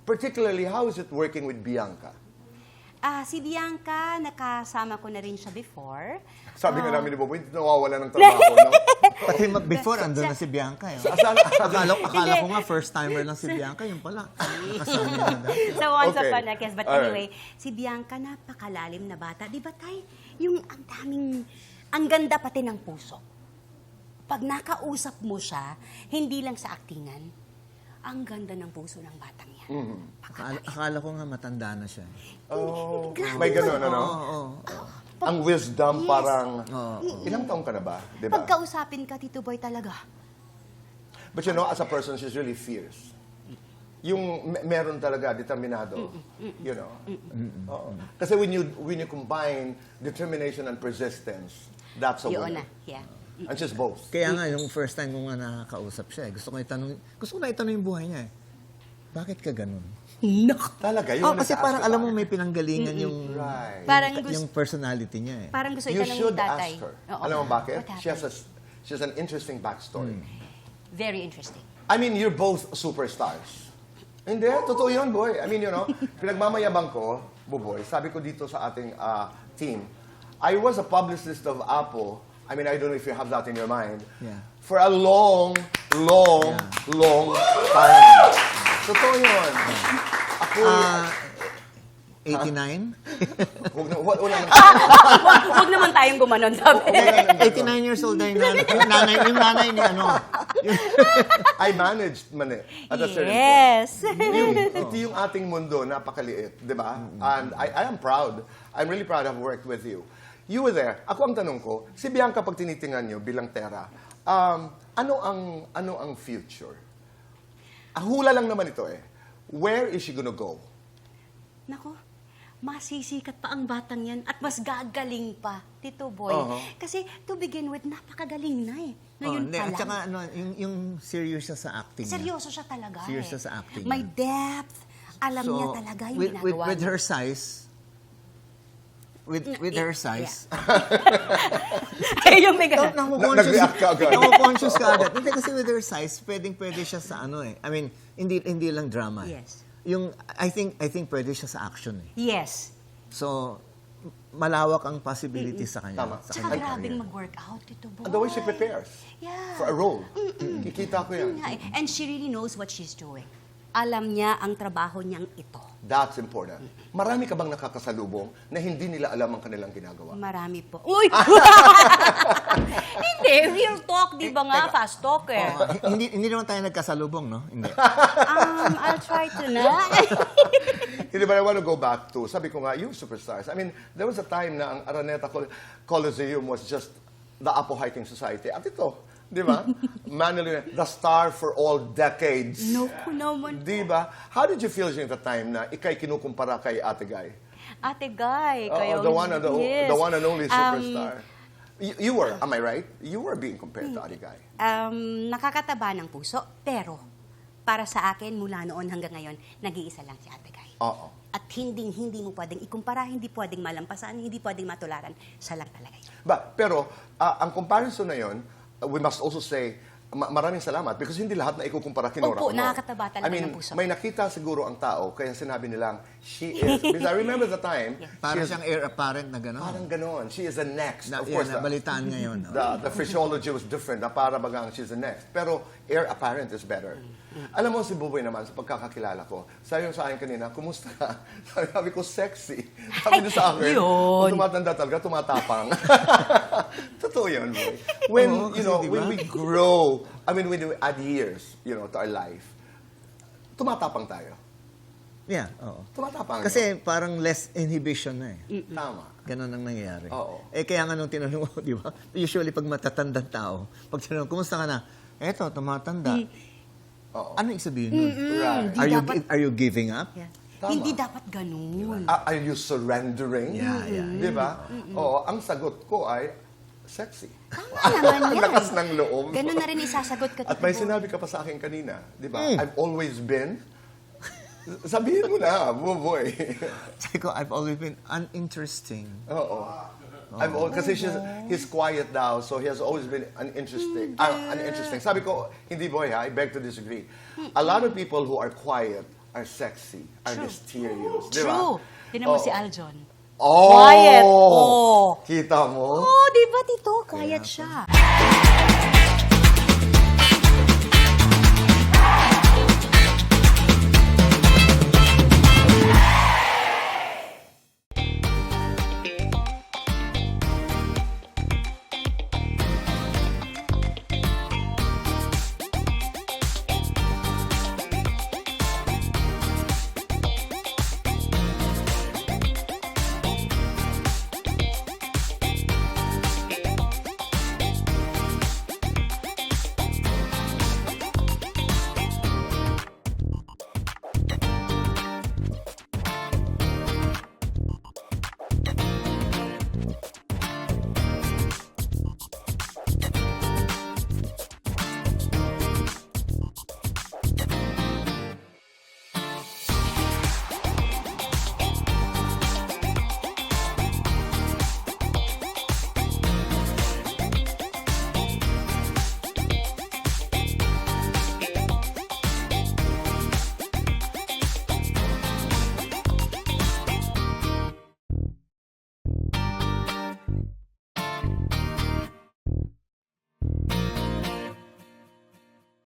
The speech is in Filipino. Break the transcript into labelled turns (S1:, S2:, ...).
S1: particularly, how is it working with Bianca?
S2: Si Bianca, nakasama ko na rin siya before.
S1: Sabi nga namin ni Boboy, nawawala ng trabaho, no?
S3: Pati before, andun na si Bianca. Eh. Akala ko nga first-timer lang si Bianca, yung pala. Kasama niya na dati.
S2: So once
S1: Okay.
S2: upon a guest. But anyway, si Bianca, napakalalim na bata. Di ba, Tay? Yung ang daming, ang ganda pati ng puso. Pag nakausap mo siya, hindi lang sa aktingan, ang ganda ng puso ng batang yan.
S3: Akala ko nga matanda na siya.
S1: Oh, may ganun, ano? Ang wisdom
S2: Yes.
S1: parang, ilang taong ka na ba? Di ba?
S2: Pagkausapin ka, Tito Boy, talaga.
S1: But you know, as a person, she's really fierce. Yung meron talaga, determinado. You know? Oo. Kasi when you combine determination and persistence, that's a
S2: Yun
S1: winner.
S2: na, yeah.
S1: And she's both.
S3: Kaya nga, yung first time ko nga nakakausap siya, gusto ko na itanong yung buhay niya eh. Bakit ka ganun?
S1: Talaga, yun.
S3: Kasi parang alam mo may pinanggalingan yung,
S1: Right.
S2: Parang
S3: yung personality niya eh.
S2: Parang gusto
S1: You
S2: itanong
S1: should
S2: ni tatay.
S1: ask her.
S2: Oo.
S1: Alam mo bakit?
S2: What
S1: She
S2: happened?
S1: has an interesting backstory.
S2: Very interesting.
S1: I mean, you're both superstars. Hindi, totoo yun, boy. I mean, you know, pinagmamayabang ko, Buboy, sabi ko dito sa ating team, I was a publicist of Apple. I mean, I don't know if you have that in your mind.
S3: Yeah.
S1: For a long time. Totoo yun. Ako,
S3: 89?
S2: Huwag naman tayong gumanon, sabi.
S3: 89 years old na yung nanay ni ano.
S1: I managed man eh, at a certain point.
S2: Yes.
S1: Ito yung ating mundo, napakaliit, di ba? And I am proud. I'm really proud to have worked with you. You were there. Ako ang tanong ko, si Bianca pag tinitingnan nyo bilang Tera, ano ang future? Hula lang naman ito eh. Where is she gonna go?
S2: Nako, masisikat pa ang batang yan at mas gagaling pa, Tito Boy. Kasi to begin with, napakagaling na eh. Ngayon pa
S3: At
S2: lang.
S3: saka yung serious siya sa acting niya.
S2: Seryoso siya talaga
S3: Serious
S2: eh.
S3: siya sa acting
S2: May
S3: niya.
S2: depth. Alam niya talaga yung ginagawa
S3: with
S2: niya.
S3: her size, with her size,
S2: Ay, yung may ganun.
S1: Nag-react ka agad.
S3: Nako-conscious ka agad. Hindi kasi with her size, pwede siya sa ano eh. I mean, hindi lang drama. Eh.
S2: Yes.
S3: Yung I think pwede siya sa action eh.
S2: Yes.
S3: So malawak ang possibilities sa kanya.
S1: Tama.
S3: Sa
S2: Tsaka
S3: kanyang
S2: grabing
S3: career.
S2: mag-workout, Tito Boy.
S1: And the way she prepares
S2: Yeah.
S1: for a role. Kikita ko yan.
S2: Yun nga eh. And she really knows what she's doing. Alam niya ang trabaho niyang ito.
S1: That's important. Marami ka bang nakakasalubong na hindi nila alam ang kanilang ginagawa?
S2: Marami po. Uy! Hindi, real talk, di ba nga? Fast talk eh.
S3: Hindi naman tayo nagkasalubong, no? Hindi.
S2: I'll try to na.
S1: Hindi ba I want to go back to, sabi ko nga, you superstars. I mean, there was a time na ang Araneta Coliseum was just the Apo Hiking Society. At ito, di ba? Manila, the star for all decades.
S2: No, naman.
S1: Di ba? How did you feel during the time na ikay kinukumpara kay Ate Guy?
S2: Ate Guy,
S1: Oo,
S2: kayo.
S1: the one and only superstar.
S2: Um,
S1: You were, am I right? You were being compared to Ate Guy.
S2: Nakakataba ng puso, pero para sa akin, mula noon hanggang ngayon, nag-iisa lang si Ate Guy.
S1: Oo.
S2: At hindi mo pwedeng ikumpara, hindi pwedeng malampasan, hindi pwedeng matularan. Siya lang talaga yun.
S1: Pero, ang comparison na yon, we must also say, maraming salamat because hindi lahat na ikukumpara kay Nora
S2: Opo,
S1: Honor.
S2: nakakataba talaga
S1: I mean,
S2: ng puso.
S1: may nakita siguro ang tao, kaya sinabi nilang, she is, because I remember the time,
S3: Para
S1: she is,
S3: siyang heir apparent na gano'n.
S1: parang ganon, she is the next. Of
S3: Yan,
S1: course,
S3: nabalitaan ngayon.
S1: the physiology was different, na para bagang she's the next. Pero heir apparent is better. Alam mo si Buboy naman, sa pagkakakilala ko, sabi sa akin kanina, kumusta ka? Sabi ko, sexy. Sabi niya sa akin,
S2: Yun.
S1: kung tumatanda talaga, tumatapang. Totoo yun, Boy. When,
S3: Oo,
S1: you know,
S3: kasi
S1: when
S3: diba?
S1: we grow, I mean, when we add years, you know, to our life, tumatapang tayo.
S3: Yeah, oo.
S1: Tumatapang.
S3: Kasi parang less inhibition na eh.
S1: Tama.
S3: Ganon ang nangyayari.
S1: Oo.
S3: Kaya nga nung tinanong mo, di ba? Usually pag matatandang tao, pag tinanong, kumusta ka na? Eto, tumatanda.
S1: Oo.
S3: Ano ibig sabihin nun?
S1: Right.
S3: Are you giving up?
S2: Yeah.
S1: Tama.
S2: Hindi dapat ganun.
S1: Are you surrendering?
S3: Yeah.
S1: Di ba? Oo, ang sagot ko ay, sexy.
S2: Tama naman yan.
S1: Lakas ng loob.
S2: Ganun na rin isasagot ka,
S1: At
S2: Tito
S1: may
S2: Boy.
S1: sinabi ka pa sa akin kanina, di ba? I've always been. Sabihin mo na, Buboy.
S3: Sabi ko, I've always been uninteresting.
S1: Oo. Kasi he's quiet now, so he has always been uninteresting. Sabi ko, hindi boy ha, I beg to disagree. A lot of people who are quiet are sexy, are
S2: True.
S1: mysterious. Di ba?
S2: True. Tinan mo
S1: Oh.
S2: si Aljon.
S1: Oh!
S2: Quiet. Oh.
S1: Kita mo?
S2: Oh, di ba, Tito? Quiet siya.